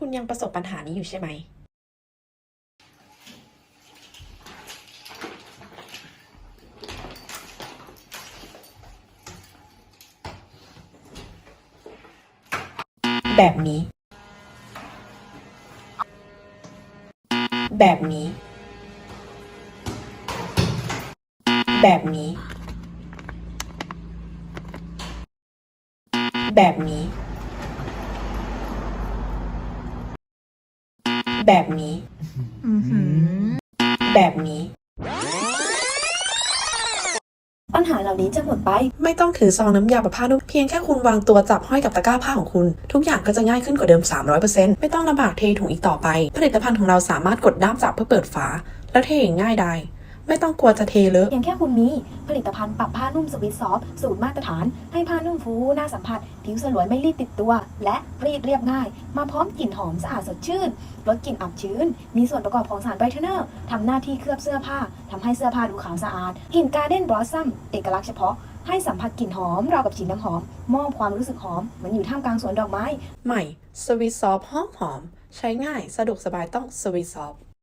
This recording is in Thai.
คุณยังประสบปัญหานี้อยู่ใช่ไหมแบบนี้แบบนี้แบบนี้แบบนี้แบบนี้แบบนี้ปัญหาเหล่านี้จะหมดไปไม่ต้องถือซองน้ำยาปรับผ้านุ่มเพียงแค่คุณวางตัวจับห้อยกับตะกร้าผ้าของคุณทุกอย่างก็จะง่ายขึ้นกว่าเดิม 300% ไม่ต้องลำบากเทถุงอีกต่อไปผลิตภัณฑ์ของเราสามารถกดด้ามจับเพื่อเปิดฝาแล้วเทอย่างง่ายดายไม่ต้องกลัวจะเทเลอะเพียงแค่คุณมีผลิตภัณฑ์ปรับผ้านุ่มสวิตซอฟต์สูตรมาตรฐานให้ผ้านุ่มฟูน่าสัมผัสผิวสลวยไม่รีดติดตัวและรีดเรียบง่ายมาพร้อมกลิ่นหอมสะอาดสดชื่นลดกลิ่นอับชื้นมีส่วนประกอบของสารไบรท์เนอร์ทำหน้าที่เคลือบเสื้อผ้าทำให้เสื้อผ้าดูขาวสะอาดกลิ่นการ์เด้นบลอสซัมเอกลักษณ์เฉพาะให้สัมผัสกลิ่นหอมราวกับฉีดน้ำหอมมอบความรู้สึกหอมเหมือนอยู่ท่ามกลางสวนดอกไม้ใหม่สวิตซอฟหอมใช้ง่ายสะดวกสบายต้องสวิตซอฟ